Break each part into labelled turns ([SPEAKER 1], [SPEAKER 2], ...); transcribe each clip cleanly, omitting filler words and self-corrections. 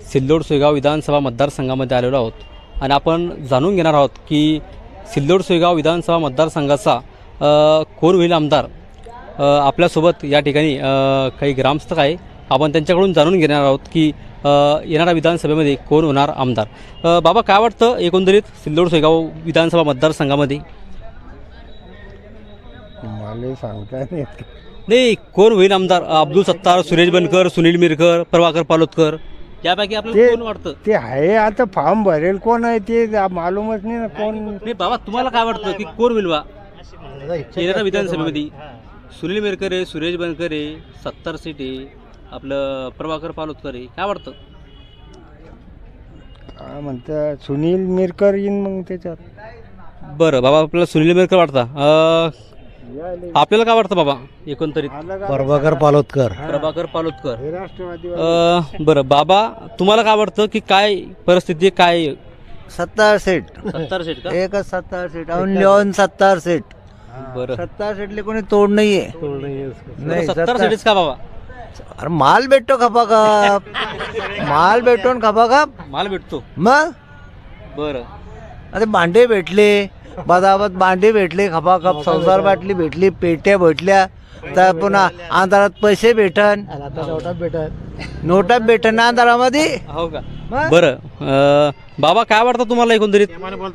[SPEAKER 1] सिल्लोड सोयगाव विधानसभा मतदारसंघामध्ये आलेलो आहोत आणि आपण जाणून घेणार आहोत की सिल्लोड सोयगाव विधानसभा मतदारसंघाचा कोण होईल आमदार। आपल्यासोबत या ठिकाणी काही ग्रामस्थ आहे, आपण त्यांच्याकडून जाणून घेणार आहोत की येणाऱ्या विधानसभेमध्ये कोण होणार आमदार। बाबा, काय वाटतं एकंदरीत सिल्लोड सोयगाव विधानसभा मतदारसंघामध्ये?
[SPEAKER 2] मला सांगता
[SPEAKER 1] नाही, कोण होईल आमदार? अब्दुल सत्तार, सुरेश बनकर, सुनील मिरकर, प्रभाकर पालोदकर, यापैकी आपल्याला कोण वाटतं?
[SPEAKER 2] ते आहे आता फॉर्म भरेल कोण आहे ते मालूमच नाही ना कोण.
[SPEAKER 1] नाही बाबा, तुम्हाला काय वाटतं की कोण होईल बा येणाऱ्या विधानसभेमध्ये? सुनील मिरकर आहे, सुरेश बनकर आहे, सत्तार सीट आहे, आपलं प्रभाकर पालोदकर आहे, काय वाटतं?
[SPEAKER 2] काय म्हणतात सुनील मिरकर येईन मग त्याच्यात.
[SPEAKER 1] बरं बाबा, आपल्याला सुनील मिरकर वाटतं। आपल्याला काय वाटतं बाबा एकंदरीत?
[SPEAKER 3] प्रभाकर पालोदकर.
[SPEAKER 1] प्रभाकर पालोदकर.
[SPEAKER 2] हे राष्ट्रवादी.
[SPEAKER 1] बरं बाबा, तुम्हाला काय वाटतं की काय परिस्थिती काय?
[SPEAKER 3] 70 सीट.
[SPEAKER 1] 70 सीट का?
[SPEAKER 3] एकच 70 सीट. Only 70 seat.
[SPEAKER 1] बरं,
[SPEAKER 3] 70 सीटले कोणी तोड नाहीये. नाही
[SPEAKER 1] 70 सीटच का बाबा?
[SPEAKER 3] अरे माल भेटतो खपाखप. माल भेटतो न खपाखप.
[SPEAKER 1] माल भेटतो.
[SPEAKER 3] मग
[SPEAKER 1] बरं,
[SPEAKER 3] आता भांडे भेटले, बदाबत भांडे भेटले खपाखप, संसार बाटली भेटली, पेट्या भेटल्या, तर पुन्हा अंधारात पैसे भेटन, नोटा भेटन अंधारामध्ये.
[SPEAKER 1] हो का? बरं, बाबा काय वाटतं तुम्हाला एकंदरीत?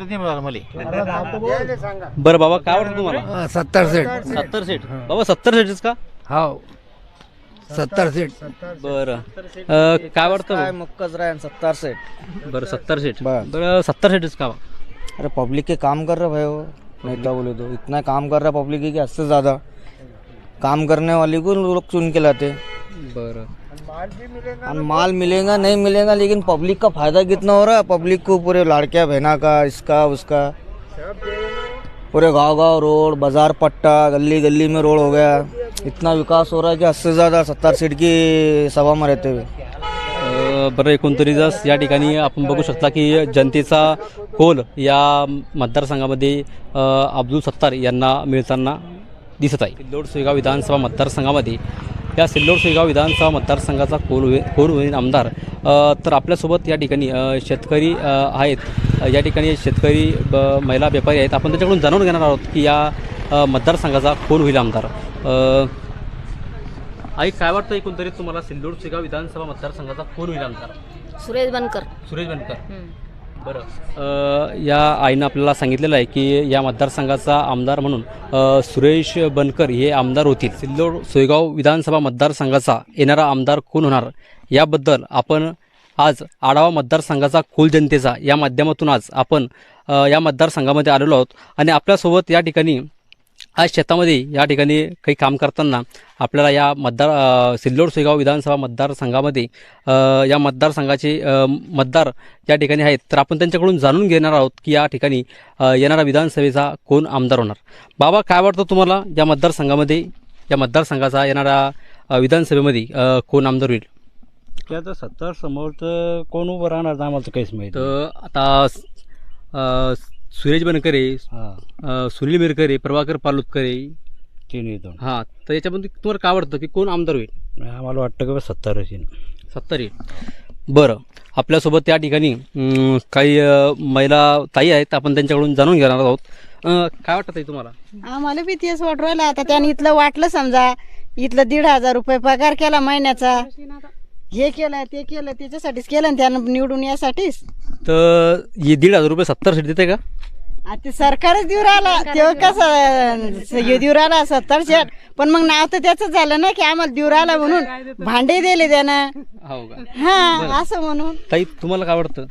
[SPEAKER 1] बरं बाबा, काय वाटतं तुम्हाला?
[SPEAKER 3] 70 सीट.
[SPEAKER 1] 70 सीट बाबा, 70 सीटच का?
[SPEAKER 3] हो 70 सीट.
[SPEAKER 1] बरं, काय वाटतं
[SPEAKER 3] काय
[SPEAKER 1] भाऊ?
[SPEAKER 3] मुक्कच राहीन 70 सीट.
[SPEAKER 1] बरं, 70 सीट.
[SPEAKER 3] बरं.
[SPEAKER 1] बरं, 70 सीटच का?
[SPEAKER 3] अरे पब्लिक के काम कर रहे भाई, वो नेता बोले तो इतना काम कर रहा पब्लिक की हद से ज़्यादा काम करने वाले को लोग चुन के लाते।
[SPEAKER 1] बरं,
[SPEAKER 3] और माल मिलेगा नहीं मिलेगा, लेकिन पब्लिक का फायदा कितना हो रहा है? पब्लिक को पूरे लाड़किया बहना का, इसका उसका, पूरे गांव गांव रोड, बाजार पट्टा, गली गली में रोड हो गया। इतना विकास हो रहा है कि हद से ज़्यादा 70 सीट की सभा में रहते हुए।
[SPEAKER 1] बरं, एकंदरीतच या ठिकाणी आपण बघू शकता की जनतेचा कौल या मतदारसंघामध्ये अब्दुल सत्तार यांना मिळताना दिसत आहे। सिल्लोड सोयगाव विधानसभा मतदारसंघामध्ये या सिल्लोड सोयगाव विधानसभा मतदारसंघाचा कोण होईल आमदार। तर आपल्यासोबत या ठिकाणी शेतकरी आहेत, या ठिकाणी शेतकरी महिला व्यापारी आहेत, आपण त्याच्याकडून जाणून घेणार आहोत की या मतदारसंघाचा कोण होईल आमदार। आई, काय वाटतं एकंदरीत तुम्हाला सिल्लोड सोयगाव विधानसभा मतदारसंघाचा कोण होईल आमदार?
[SPEAKER 4] सुरेश बनकर.
[SPEAKER 1] सुरेश बनकर. बरं, या आईनं आपल्याला सांगितलेलं आहे की या मतदारसंघाचा आमदार म्हणून सुरेश बनकर हे आमदार होतील। सिल्लोड सोयगाव विधानसभा मतदारसंघाचा येणारा आमदार कोण होणार याबद्दल आपण आज आढावा मतदारसंघाचा कौल जनतेचा या माध्यमातून आज आपण या मतदारसंघामध्ये आलेलो आहोत आणि आपल्यासोबत या ठिकाणी आज शेतामध्ये या ठिकाणी काही काम करताना आपल्याला या सिल्लोड सोयगाव विधानसभा मतदारसंघामध्ये या मतदारसंघाचे मतदार या ठिकाणी आहेत, तर आपण त्यांच्याकडून जाणून घेणार आहोत की या ठिकाणी येणारा विधानसभेचा कोण आमदार होणार। बाबा, काय वाटतं तुम्हाला या मतदारसंघामध्ये, या मतदारसंघाचा येणाऱ्या विधानसभेमध्ये कोण आमदार होईल?
[SPEAKER 5] ते आता 70 समोर तर कोण उभं राहणार नाही आम्हाला तर काहीच माहिती.
[SPEAKER 1] तर आता सुरेश बनकर आहे, सुनील मिरकर आहे, प्रभाकर पालोदकर आहे,
[SPEAKER 5] तिन्ही दोन.
[SPEAKER 1] हां, तर याच्यामध्ये तुम्हाला काय वाटतं की कोण आमदार होईल?
[SPEAKER 5] आम्हाला वाटतं की 70 येईल.
[SPEAKER 1] 70 येईल. बरं, आपल्यासोबत या ठिकाणी काही महिला ताई आहेत, आपण त्यांच्याकडून जाणून घेणार आहोत। काय वाटतं ताई तुम्हाला?
[SPEAKER 4] आम्हाला बी तेच वाटू राहिलं. आता त्याने इथलं वाटलं, समजा इथलं 1,500 रुपये पगार केला महिन्याचा, हे केलं ते केलं, त्याच्यासाठीच केलं ना त्यानं, निवडून यासाठीच.
[SPEAKER 1] तर हे 1,500 रुपये 70 सीट देते का?
[SPEAKER 4] ते सरकारच देऊ राहिला, तेव्हा कसं हे देऊ राहिला 70 सीट, पण मग नाव तर त्याच झालं ना की आम्हाला देऊ राहिला म्हणून भांडे दिले त्यानं.
[SPEAKER 1] हो का?
[SPEAKER 4] हा, असं म्हणून.
[SPEAKER 1] ताई, तुम्हाला काय वाटतं?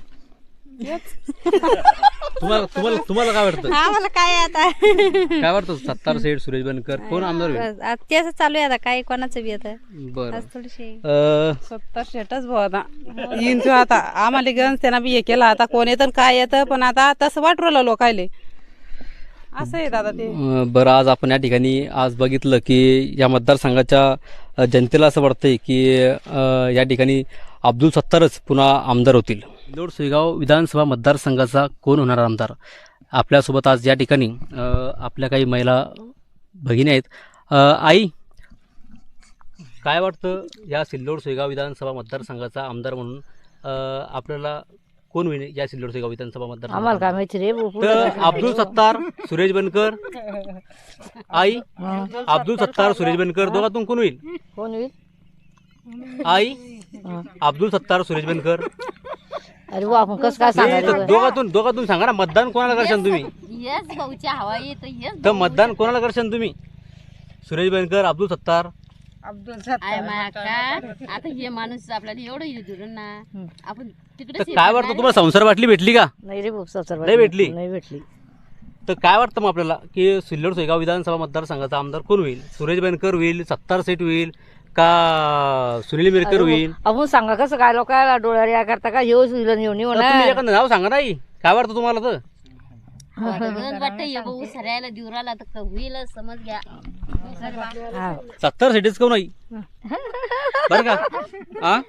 [SPEAKER 1] तुम्हाला काय वाटतं?
[SPEAKER 6] आम्हाला काय आता
[SPEAKER 1] काय वाटतं 70 सीट सुरेश बनकर कोण आमदार होईल?
[SPEAKER 6] तेच चालू आहे आता, काय कोणाचं बी आता
[SPEAKER 1] बरं,
[SPEAKER 6] आज थोडीशी
[SPEAKER 7] 70 सीटच भाऊ आता येईन तू. आता आम्हाला गंज त्यांना बी हे केलं, आता कोण येतं काय येतं, पण आता तसं वाटू राहिलं लोकायले, असं येत आता ते.
[SPEAKER 1] बरं, आज आपण या ठिकाणी आज बघितलं की या मतदारसंघाच्या जनतेला असं वाटतंय की या ठिकाणी अब्दुल सत्तारच पुन्हा आमदार होतील। सिल्लोड सोयगाव विधानसभा मतदारसंघाचा कोण होणार आमदार? आपल्यासोबत आज या ठिकाणी आपल्या काही महिला भगिनी आहेत। आई, काय वाटतं या सिल्लोड सोयगाव विधानसभा मतदारसंघाचा आमदार म्हणून आपल्याला कोण होईल या सिल्लोड सोयगाव विधानसभा मतदार
[SPEAKER 8] आम्हाला काय माहिती रे
[SPEAKER 1] तर अब्दुल सत्तार सुरेश बनकर आई अब्दुल सत्तार सुरेश बनकर दोघातून कोण होईल
[SPEAKER 8] कोण होईल
[SPEAKER 1] आई अब्दुल सत्तार सुरेश बनकर
[SPEAKER 8] अरे वा आपण कसं काय सांगायचं
[SPEAKER 1] दोघातून सांगा ना मतदान कोणाला करशाल तुम्ही
[SPEAKER 6] येस भाऊच्या हवा येत येस
[SPEAKER 1] तर मतदान कोणाला करशाल तुम्ही सुरेश बनकर अब्दुल सत्तार
[SPEAKER 6] आहे माया का आता हे माणूस आपल्याला एवढं हे धरून ना आपण तिकडे
[SPEAKER 1] तर काय वाटतं तुम्हाला संसार वाटली भेटली का
[SPEAKER 8] नाही रे भाऊ
[SPEAKER 1] नाही भेटली?
[SPEAKER 8] नाही भेटली
[SPEAKER 1] तर काय वाटतं मग आपल्याला की सिल्लोड सोयगाव विधानसभा मतदारसंघाचा आमदार कोण होईल सुरेश बनकर होईल सत्तार सेठ होईल का सुनील मिरकर होईल
[SPEAKER 8] आपण सांगा कसं काय लोकांना डोळ्यावर या करता का येऊच येऊन
[SPEAKER 1] तर तुम्ही एखादं नाव सांगा नाही काय वाटतं तुम्हाला तर
[SPEAKER 6] वाटतं हे भाऊ सरायला दिवराला तर होईल समज घ्या
[SPEAKER 1] सत्तार सीटेच कोण नाही बरं का हा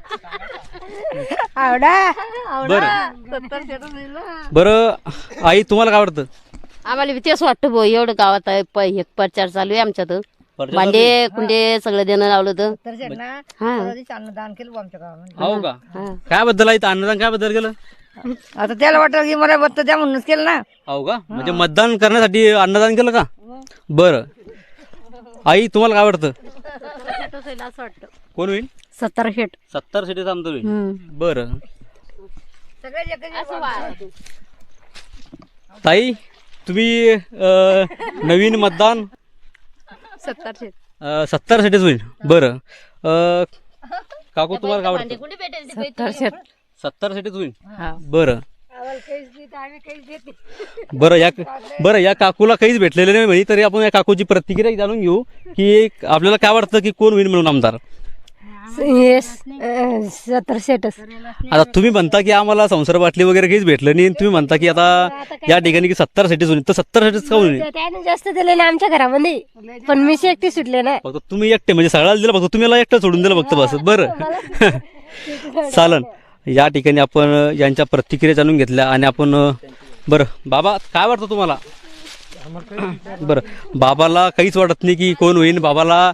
[SPEAKER 1] बरं आई तुम्हाला काय वाटतं
[SPEAKER 6] आम्हाला तेच वाटतं भाऊ एवढं गावात आहे हे प्रचार चालू आहे आमच्यात भांडे कुंडे सगळं देणं लावलं तर
[SPEAKER 8] अन्नदान केलं आमच्या गावामध्ये
[SPEAKER 1] हो का काय बद्दल आहे अन्नदान काय बद्दल केलं
[SPEAKER 8] आता त्याला वाटलं की मला बत्त द्या म्हणूनच केलं ना
[SPEAKER 1] हो का म्हणजे मतदान करण्यासाठी अन्नदान केलं का बरं आई तुम्हाला काय वाटतं
[SPEAKER 6] असं वाटतं
[SPEAKER 1] कोण होईल
[SPEAKER 6] 70 शेट
[SPEAKER 1] 70 सीटेचा आमदार होईल बरं ताई तुम्ही नवीन मतदान
[SPEAKER 6] 70 शेट
[SPEAKER 1] 70 सीटेच होईल बरं काकू तुम्हाला काय वाटतं 70 सीटेच होईल बरं बरं या काकूला काहीच भेटलेलं नाही म्हणजे तरी आपण या काकूची प्रतिक्रिया जाणून घेऊ की आपल्याला काय वाटतं की कोण होईल म्हणून आमदार
[SPEAKER 6] 70 शेटच
[SPEAKER 1] आता तुम्ही म्हणता की आम्हाला संसार बाटली वगैरे काहीच भेटलं नाही तुम्ही म्हणता की आता या ठिकाणी की 70 सीटेच होईल तर 70 सीटेच का होईल
[SPEAKER 6] त्याने जास्त दिले ना आमच्या घरामध्ये पण मी एकटी सुटले ना
[SPEAKER 1] फक्त तुम्ही एकटे म्हणजे सगळ्याला दिलं फक्त तुम्ही एकटं सोडून दिलं फक्त बस बरं चालन या ठिकाणी आपण यांच्या प्रतिक्रिया जाणून घेतल्या आणि आपण बरं बाबा काय वाटतं तुम्हाला बरं बाबाला काहीच वाटत नाही की कोण होईल बाबाला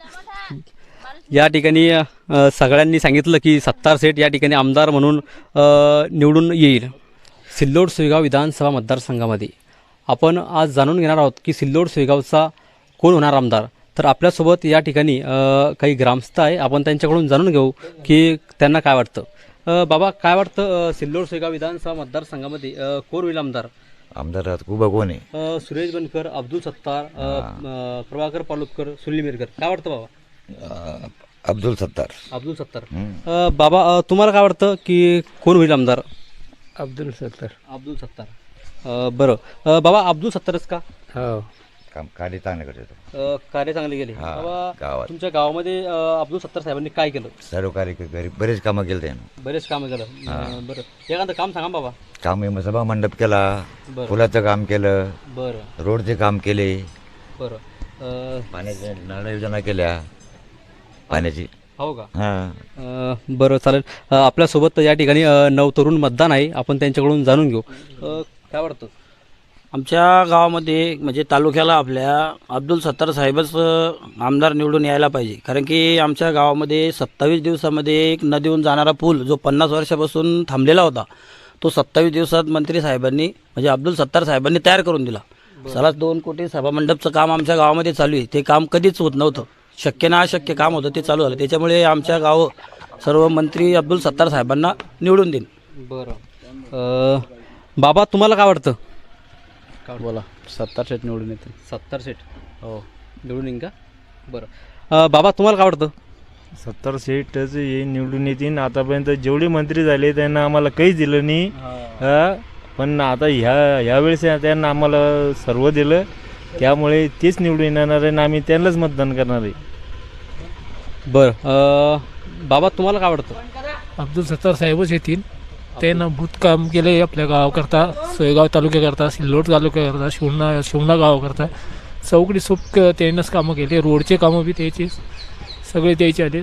[SPEAKER 1] या ठिकाणी सगळ्यांनी सांगितलं की 70 सेठ या ठिकाणी आमदार म्हणून निवडून येईल सिल्लोड सोयगाव विधानसभा मतदारसंघामध्ये आपण आज जाणून घेणार आहोत की सिल्लोड सोयगावचा कोण होणार आमदार तर आपल्यासोबत या ठिकाणी काही ग्रामस्थ आहे आपण त्यांच्याकडून जाणून घेऊ की त्यांना काय वाटतं बाबा काय वाटतं सिल्लोड सोयगाव विधानसभा मतदारसंघामध्ये कोण होईल आमदार
[SPEAKER 9] आमदार उभा कोण आहे
[SPEAKER 1] सुरेश बनकर अब्दुल सत्तार प्रभाकर पालोदकर सुनील मिरकर काय वाटतं बाबा
[SPEAKER 9] अब्दुल सत्तार
[SPEAKER 1] बाबा तुम्हाला काय वाटतं की कोण होईल आमदार
[SPEAKER 2] अब्दुल सत्तार
[SPEAKER 1] बरं बाबा अब्दुल सत्तारच का
[SPEAKER 2] हो
[SPEAKER 9] काम कार्य चांगलं करतो
[SPEAKER 1] कार्य चांगले गेले
[SPEAKER 9] हा,
[SPEAKER 1] बाबा
[SPEAKER 9] गावात.
[SPEAKER 1] तुमच्या गावामध्ये अब्दुल सत्तार साहेबांनी काय केलं
[SPEAKER 9] सर्व कार्य घरी बरेच कामं केले त्यानं
[SPEAKER 1] बरेच कामं केलं बरं एखादं काम सांगा बाबा
[SPEAKER 9] काम सभा मंडप केला
[SPEAKER 1] बरं.
[SPEAKER 9] पुलाचं काम केलं
[SPEAKER 1] बरं
[SPEAKER 9] रोडचे काम केले
[SPEAKER 1] बरं
[SPEAKER 9] पाण्याच्या नळ योजना केल्या पाण्याची
[SPEAKER 1] हो का
[SPEAKER 9] हा
[SPEAKER 1] बरं चालेल आपल्यासोबत या ठिकाणी नवतरुण मतदान आहे आपण त्यांच्याकडून जाणून घेऊ काय वाटतं
[SPEAKER 5] आमच्या गावामध्ये म्हणजे तालुक्याला आपल्या अब्दुल सत्तार साहेबच आमदार निवडून यायला पाहिजे कारण की आमच्या गावामध्ये 27 दिवसामध्ये एक नदीहून जाणारा पूल जो 50 वर्षापासून थांबलेला होता तो 27 दिवसात मंत्री साहेबांनी म्हणजे अब्दुल सत्तार साहेबांनी तयार करून दिला. 2 कोटी सभामंडपचं काम आमच्या गावामध्ये चालू आहे. ते काम कधीच होत नव्हतं. शक्य ना अशक्य काम होतं ते चालू झालं. त्याच्यामुळे आमच्या गाव सर्व मंत्री अब्दुल सत्तार साहेबांना निवडून देईन.
[SPEAKER 1] बरं बाबा तुम्हाला काय वाटतं?
[SPEAKER 5] बोला. 70 सीट निवडून येते.
[SPEAKER 1] 70 सीट हो निवडून येईन का? बरं बाबा तुम्हाला काय वाटतं?
[SPEAKER 10] 70 सीटच हे निवडून येतील. आतापर्यंत जेवढे मंत्री झाले त्यांना आम्हाला काहीच दिलं नाही. पण आता ह्यावेळेस त्यांना आम्हाला सर्व दिलं. त्यामुळे तेच निवडून येणार आहे आणि आम्ही त्यांनाच मतदान करणार आहे.
[SPEAKER 1] बरं बाबा तुम्हाला काय वाटतं?
[SPEAKER 11] अब्दुल सत्तार साहेबच येतील. त्यांना भूत काम केले आपल्या गावाकरता, सोयगाव तालुक्याकरता, सिल्लोड तालुक्याकरता, शिवणा गावाकरता चौकडी सुप त्यांनाच कामं केले. रोडचे कामं बी त्याचेच सगळे द्यायचे आलेच.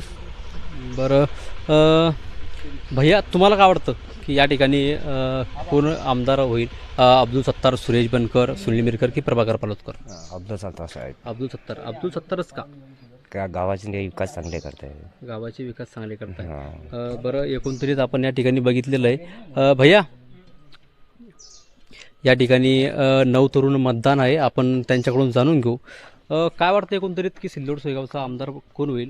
[SPEAKER 1] बरं भैया तुम्हाला काय वाटतं की या ठिकाणी कोण आमदार होईल? अब्दुल सत्तार, सुरेश बनकर, सुनील मिरकर की प्रभाकर पालोदकर?
[SPEAKER 2] अब्दुल सत्तार साहेब.
[SPEAKER 1] अब्दुल सत्तारच का?
[SPEAKER 9] गावाचे विकास चांगले करताय.
[SPEAKER 1] गावाचे विकास चांगले करताय.
[SPEAKER 9] हा.
[SPEAKER 1] बरं, एकंदरीत आपण या ठिकाणी बघितलेलं आहे. भैया, या ठिकाणी 9 तरुण मतदान आहे, आपण त्यांच्याकडून जाणून घेऊ. काय वाटतं एकंदरीत की सिल्लोड सोयगावचा आमदार कोण होईल?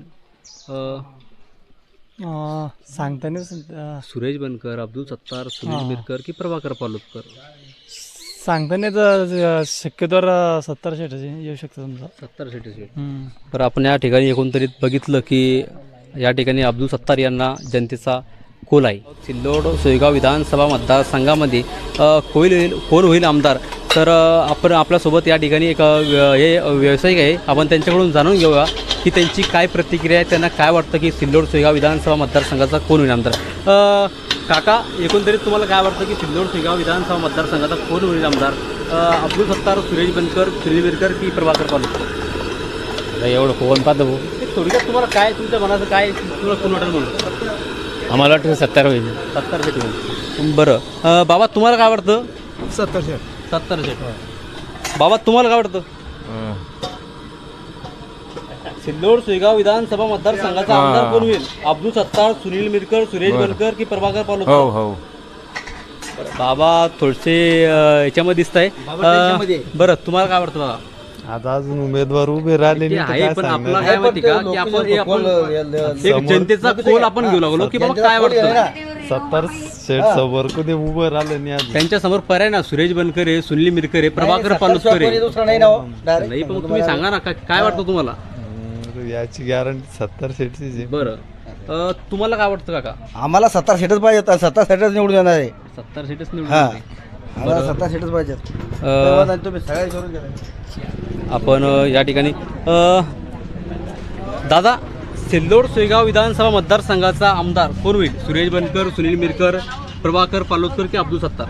[SPEAKER 2] सांगता नाही
[SPEAKER 1] सुरेश बनकर, अब्दुल सत्तार, सुनील मिरकर की प्रभाकर पालोदकर?
[SPEAKER 2] सांगता नाही तर शक्यतोवर 70 शेटाचे येऊ शकतं समजा.
[SPEAKER 1] 70 सीट. तर आपण या ठिकाणी एकंदरीत बघितलं की या ठिकाणी अब्दुल सत्तार यांना जनतेचा कोल आहे. सिल्लोड सोयगाव विधानसभा मतदारसंघामध्ये कोण होईल आमदार? तर आपण आपल्यासोबत या ठिकाणी एक हे व्यावसायिक आहे, आपण त्यांच्याकडून जाणून घेऊया की त्यांची काय प्रतिक्रिया आहे, त्यांना काय वाटतं की सिल्लोड सोयगाव विधानसभा मतदारसंघाचा कोण होईल आमदार. काका, एकंदरीत तुम्हाला काय वाटतं की सिल्लोड सोयगाव विधानसभा मतदारसंघाचा कोण होईल आमदार? अब्दुल सत्तार, सुरेश बनकर, सुनील मिरकर की प्रभाकर पालोदकर?
[SPEAKER 11] एवढं कोण पाहतो
[SPEAKER 1] थोडक्यात तुम्हाला काय तुमच्या मनाचं काय तुम्हाला कोण वाटेल म्हणून?
[SPEAKER 11] आम्हाला वाटतं 70 होईल.
[SPEAKER 1] 70 सीट होईल. बरं, बाबा तुम्हाला काय वाटतं?
[SPEAKER 2] 70 शेट.
[SPEAKER 1] 70 सीट. बाबा तुम्हाला काय वाटतं? सिल्लोड सोयगाव विधानसभा मतदारसंघाचा आमदार कोण होईल? अब्दुल सत्तार, सुनील मिरकर, सुरेश बनकर की प्रभाकर पालोदकर?
[SPEAKER 10] हो.
[SPEAKER 1] बाबा थोडेसे याच्यामध्ये दिसत आहे. बरं, तुम्हाला काय वाटतं बाबा?
[SPEAKER 2] आता अजून उमेदवार उभे राहिले
[SPEAKER 1] ते आहे, पण आपला काय माहिती का की आपण एक जनतेचा कोल आपण घेऊ लागलो की बाबा काय वाटतं?
[SPEAKER 2] 70 शेट समोर कधी उभं राहिलं नाही.
[SPEAKER 1] त्यांच्या समोर पर्याय ना, सुरेश बनकर आहे, सुनील मिरकर आहे, प्रभाकर पालोदकर आहे. नाही, पण तुम्ही सांगा ना काय वाटतं तुम्हाला?
[SPEAKER 2] याची गॅरंटी 70 शेटची.
[SPEAKER 1] बरं, तुम्हाला काय वाटतं काका?
[SPEAKER 3] आम्हाला 70 सीटच पाहिजे, 70 सीटच निवडून येणार आहे.
[SPEAKER 1] 70 सीटच निवडून
[SPEAKER 3] हा.
[SPEAKER 1] येते.
[SPEAKER 3] आम्हाला 70 सीटच पाहिजे. तुम्ही सगळे करून घ्या.
[SPEAKER 1] आपण या ठिकाणी दादा, सिल्लोड सोयगाव विधानसभा मतदारसंघाचा आमदार कोण होईल? सुरेश बनकर, सुनील मिरकर, प्रभाकर पालोदकर की अब्दुल सत्तार?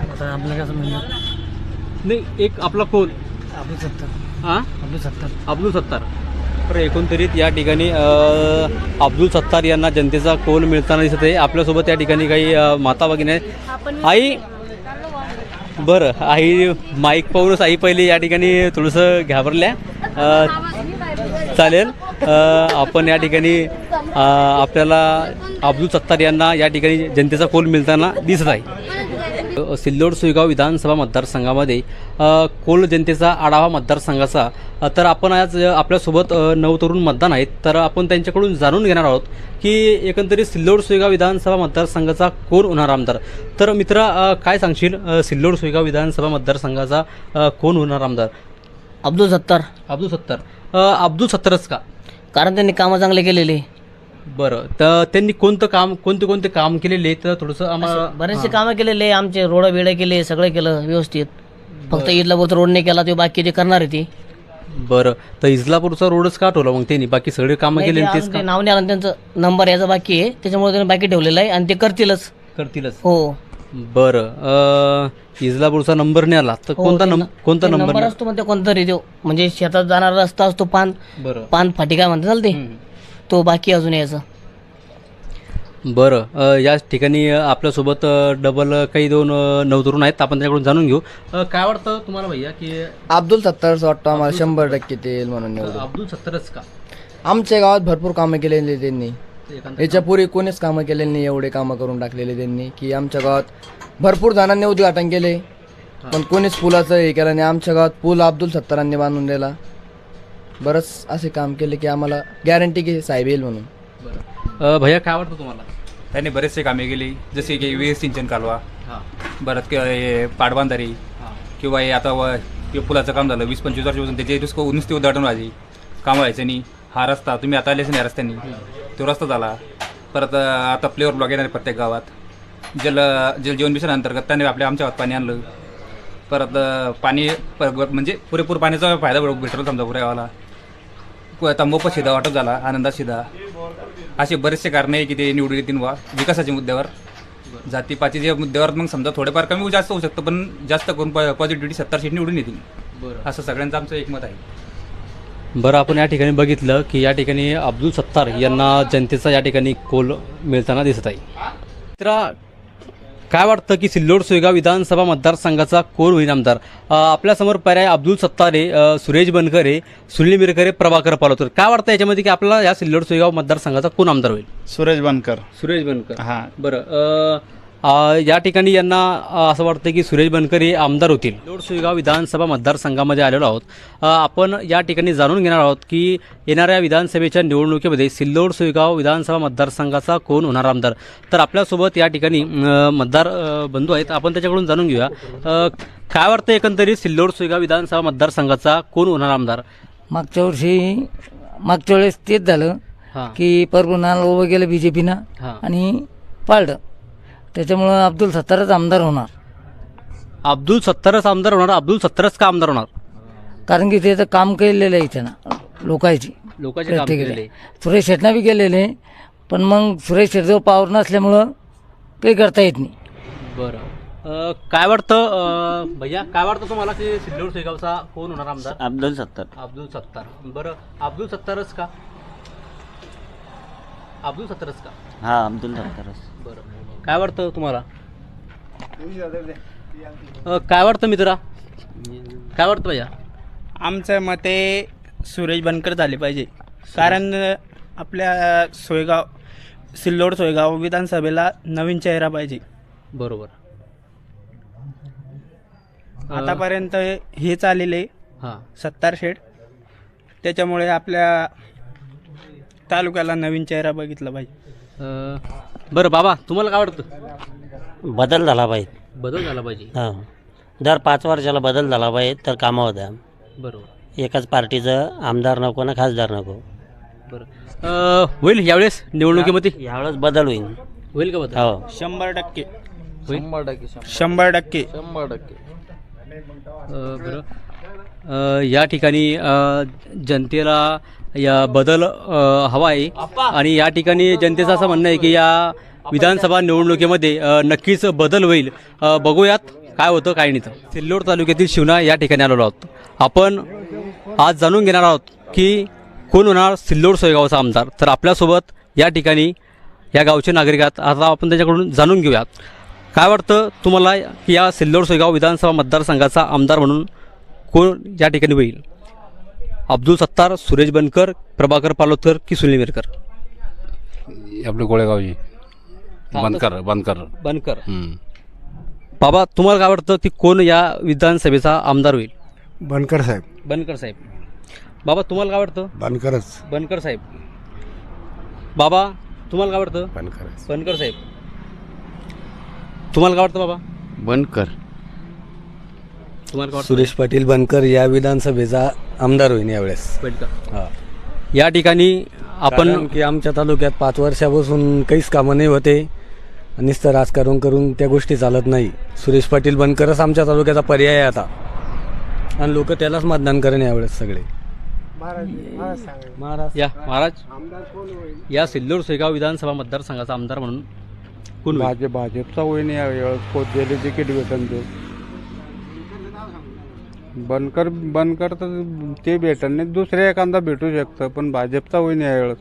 [SPEAKER 1] नाही, एक आपला कोण?
[SPEAKER 8] अब्दुल सत्तार.
[SPEAKER 1] हां, अब्दुल सत्तार. तर एकंदरीत या ठिकाणी अब्दुल सत्तार यांना जनतेचा कौल मिळताना दिसत आहे. आपल्यासोबत या ठिकाणी काही माता भगिनी आहेत. आई, बरं, आई माईक पाहूनच आई पहिले या ठिकाणी थोडंसं घाबरल्या. चालेल, आपण या ठिकाणी आपल्याला अब्दुल सत्तार यांना या ठिकाणी जनतेचा कौल मिळताना दिसत आहे. सिल्लोड सोयगाव विधानसभा मतदारसंघामध्ये कोल जनतेचा आढावा मतदारसंघाचा. तर आपण आज आपल्यासोबत 9 तरुण मतदान आहेत, तर आपण त्यांच्याकडून जाणून घेणार आहोत की एकंदरीत सिल्लोड सोयगाव विधानसभा मतदारसंघाचा कोण होणार आमदार. तर मित्रा, काय सांगशील सिल्लोड सोयगाव विधानसभा मतदारसंघाचा कोण होणार आमदार?
[SPEAKER 8] अब्दुल सत्तार.
[SPEAKER 1] अब्दुल सत्तार. अब्दुल सत्तारच का?
[SPEAKER 8] कारण त्यांनी कामं चांगले केलेले.
[SPEAKER 1] बरं, तर त्यांनी कोणते काम केलेले तर थोडंसं आम्हाला
[SPEAKER 8] बरेचसे कामं केलेले, आमचे रोड बिड केले, सगळं केलं व्यवस्थित. फक्त इथला रोड नाही केला, ते बाकी ते करणार आहे ते.
[SPEAKER 1] बरं, तर इस्लापूरचा रोडच का ठेवला मग त्यांनी? बाकी सगळे कामं केले तेच का?
[SPEAKER 8] नाव नाही आलं त्यांचं, नंबर याचा बाकी आहे, त्याच्यामुळे त्यांनी बाकी ठेवलेलं आहे आणि ते करतीलच. हो.
[SPEAKER 1] बरं, इस्लापूरचा नंबर नाही आला तर कोणता नंबर
[SPEAKER 8] असतो म्हणते कोणता रे तो, म्हणजे शेतात जाणारा रस्ता असतो, पान फाटी काय म्हणतात ते, तो बाकी अजून यायचं.
[SPEAKER 1] बरं, या ठिकाणी आपल्यासोबत डबल काही 2 नवतरुण आहेत, आपण त्याकडून जाणून घेऊ. काय वाटतं तुम्हाला भैया की
[SPEAKER 3] अब्दुल सत्तारच वाटतं आम्हाला 100% ते येईल म्हणून निवडून.
[SPEAKER 1] अब्दुल सत्तारच का?
[SPEAKER 3] आमच्या गावात भरपूर कामं केलेली त्यांनी, याच्यापूर्वी कोणीच कामं केलेली नाही. एवढे कामं करून टाकलेले त्यांनी की आमच्या गावात भरपूर जणांनी उद्घाटन केले, पण कोणीच पुलाचं हे केलं नाही. आमच्या गावात पूल अब्दुल सत्तारांनी बांधून दिला. बरंच असे काम केले की आम्हाला गॅरंटी की साहेब येईल म्हणून.
[SPEAKER 1] बरं, भैया काय वाटतं तुम्हाला?
[SPEAKER 12] त्यांनी बरेचसे कामे केली, जसे की विहीर सिंचन कालवा, परत हे पाटबंधारी, किंवा हे आता हे पुलाचं काम झालं 20-25 वर्षापासून, त्याचे नुसते उद्घाटन व्हायचे, काम व्हायचं नाही. हा रस्ता तुम्ही आता आलेच नाही रस्त्यांनी, तो रस्ता झाला. परत आता फ्लेवर ब्लॉक येणार प्रत्येक गावात. जल जीवन मिशन अंतर्गत त्यांनी आमच्या गावात पाणी आणलं. परत पाणी म्हणजे पुरेपूर पाण्याचा फायदा भेटला समजा पुऱ्या गावाला. तंबाखू शिधा वाटप झाला, आनंदात शिधा. असे बरेचसे कारण आहे की ते निवडून येतील वा विकासाच्या मुद्द्यावर, जातीपातीच्या मुद्द्यावर. मग समजा थोडेफार कमी जास्त होऊ शकतं, पण जास्त करून पॉझिटिव्हिटी 70 सीट निवडून येतील. बरं, असं सगळ्यांचं आमचं एकमत आहे.
[SPEAKER 1] बरं, आपण या ठिकाणी बघितलं की या ठिकाणी अब्दुल सत्तार यांना जनतेचा या ठिकाणी कोल मिळताना दिसत आहे. तर काय वाटतं की सिल्लोड सोयगाव विधानसभा मतदारसंघाचा कोण होईल आमदार? आपल्यासमोर पर्याय अब्दुल सत्तारे, सुरेश बनकरे, सुनील मिरकरे, प्रभाकर पालोतर. काय वाटतं याच्यामध्ये की आपल्याला या सिल्लोड सोयगाव मतदारसंघाचा कोण आमदार होईल?
[SPEAKER 2] सुरेश बनकर.
[SPEAKER 1] सुरेश बनकर.
[SPEAKER 2] हां.
[SPEAKER 1] बरं, या ठिकाणी यांना असं वाटतं की सुरेश बनकर हे आमदार होतील. सिल्लोड सोयगाव विधानसभा मतदारसंघामध्ये आलेलो आहोत. आपण या ठिकाणी जाणून घेणार आहोत की येणाऱ्या विधानसभेच्या निवडणुकीमध्ये सिल्लोड सोयगाव विधानसभा मतदारसंघाचा कोण होणार आमदार. तर आपल्यासोबत या ठिकाणी मतदार बंधू आहेत, आपण त्याच्याकडून जाणून घेऊया. काय वाटतं एकंदरीत सिल्लोड सोयगाव विधानसभा मतदारसंघाचा कोण होणार आमदार?
[SPEAKER 8] मागच्या वेळेस तेच झालं
[SPEAKER 1] हां.
[SPEAKER 8] की परभुनाला उभं गेलं बीजेपीनं
[SPEAKER 1] हां.
[SPEAKER 8] आणि पाळलं, त्याच्यामुळं अब्दुल सत्तारच आमदार होणार.
[SPEAKER 1] अब्दुल सत्तारच आमदार होणार? अब्दुल सत्तारच का आमदार होणार?
[SPEAKER 8] कारण की त्याचं काम केलेलं आहे त्यानं लोकांचे
[SPEAKER 1] लोकांचे काम केलेले.
[SPEAKER 8] सुरेश शेट्टना बी केलेले, पण मग सुरेश शेट्टीवर पावर नसल्यामुळं काही करता येत नाही.
[SPEAKER 1] बरं, काय वाटतं भैया, काय वाटतं तुम्हाला की सिल्लोड सोयगावचा कोण होणार आमदार?
[SPEAKER 5] अब्दुल सत्तार.
[SPEAKER 1] अब्दुल सत्तार. बरं, अब्दुल सत्तारच का? अब्दुल सत्तारच का?
[SPEAKER 5] हां, अब्दुल सत्तारच.
[SPEAKER 1] बरं, काय वाटतं तुम्हाला? काय वाटतं मित्रा, काय वाटतं भैया?
[SPEAKER 2] आमच्या मते सुरेश बनकर झाले पाहिजे, कारण आपल्या सिल्लोड सोयगाव विधानसभेला नवीन चेहरा पाहिजे.
[SPEAKER 1] बरोबर.
[SPEAKER 2] आतापर्यंत हेच आलेले
[SPEAKER 1] हां.
[SPEAKER 2] सत्तार शेठ, त्याच्यामुळे आपल्या तालुक्याला नवीन चेहरा बघितला पाहिजे.
[SPEAKER 1] बरं बाबा, तुम्हाला काय वाटतं?
[SPEAKER 5] बदल झाला पाहिजे.
[SPEAKER 1] बदल झाला पाहिजे.
[SPEAKER 5] हां, दर 5 वर्षाला बदल झाला पाहिजे तर कामं होत्या.
[SPEAKER 1] बरोबर.
[SPEAKER 5] एकाच पार्टीचं आमदार नको ना खासदार नको.
[SPEAKER 1] बरं, होईल यावेळेस निवडणुकीमध्ये?
[SPEAKER 5] यावेळेस बदल होईल.
[SPEAKER 1] होईल का बदल?
[SPEAKER 5] हो,
[SPEAKER 2] 100%
[SPEAKER 1] होईल?
[SPEAKER 2] 100%.
[SPEAKER 1] बरं, या ठिकाणी जनतेला या बदल हवा आहे आणि या ठिकाणी जनतेचं असं म्हणणं आहे की या विधानसभा निवडणुकीमध्ये नक्कीच बदल होईल. बघूयात काय होतं काय नाही. तर सिल्लोड तालुक्यातील शिवना या ठिकाणी आलेलो आहोत. आपण आज जाणून घेणार आहोत की कोण होणार सिल्लोड सोयगावचा आमदार. तर आपल्यासोबत या ठिकाणी या गावचे नागरिक आहेत. आता आपण त्याच्याकडून जाणून घेऊयात काय वाटतं तुम्हाला की या सिल्लोड सोयगाव विधानसभा मतदारसंघाचा आमदार म्हणून कोण या ठिकाणी होईल? अब्दुल सत्तार, सुरेश बनकर, प्रभाकर पालोतर की सुनील मिरकर?
[SPEAKER 13] आपले गोळेगावची बनकर.
[SPEAKER 1] बनकर. बाबा, तुम्हाला काय वाटतं की कोण या विधानसभेचा आमदार होईल?
[SPEAKER 2] बनकर साहेब.
[SPEAKER 1] बनकर साहेब. बाबा, तुम्हाला काय वाटतं?
[SPEAKER 2] बनकरच.
[SPEAKER 1] बनकर साहेब. बाबा, तुम्हाला काय वाटतं?
[SPEAKER 2] बनकर.
[SPEAKER 1] बनकर साहेब. तुम्हाला काय वाटतं बाबा?
[SPEAKER 13] बनकर.
[SPEAKER 1] तुम्हाला काय वाटतं?
[SPEAKER 2] सुरेश पाटील बनकर या विधानसभेचा आमदार होईल यावेळेस.
[SPEAKER 1] बनकर. या ठिकाणी आपण
[SPEAKER 2] की आमच्या तालुक्यात 5 वर्षापासून काहीच कामं नाही होते, नुसतं राजकारण करून त्या गोष्टी चालत नाही. सुरेश पाटील बनकरच आमच्या तालुक्याचा पर्याय आहे आता, आणि लोक त्यालाच मतदान करेन यावेळेस सगळे.
[SPEAKER 1] महाराज, या सिल्लोड सोयगाव विधानसभा मतदारसंघाचा आमदार म्हणून कोण होईल?
[SPEAKER 2] भाजपचा होईन यावेळेस. पोचलेले तिकीट भेटन ते बनकर तर ते भेटन नाही, दुसऱ्या एखादा भेटू शकतं, पण भाजपचा होईन यावेळेस.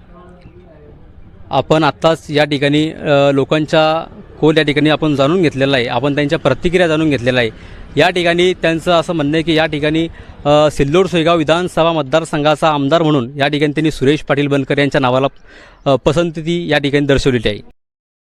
[SPEAKER 1] आपण आत्ताच या ठिकाणी लोकांच्या कोल या ठिकाणी आपण जाणून घेतलेला आहे. आपण त्यांच्या प्रतिक्रिया जाणून घेतलेल्या आहे. या ठिकाणी त्यांचं असं म्हणणं आहे की या ठिकाणी सिल्लोड सोयगाव विधानसभा मतदारसंघाचा आमदार म्हणून या ठिकाणी त्यांनी सुरेश पाटील बनकर यांच्या नावाला पसंती या ठिकाणी दर्शवलेली आहे.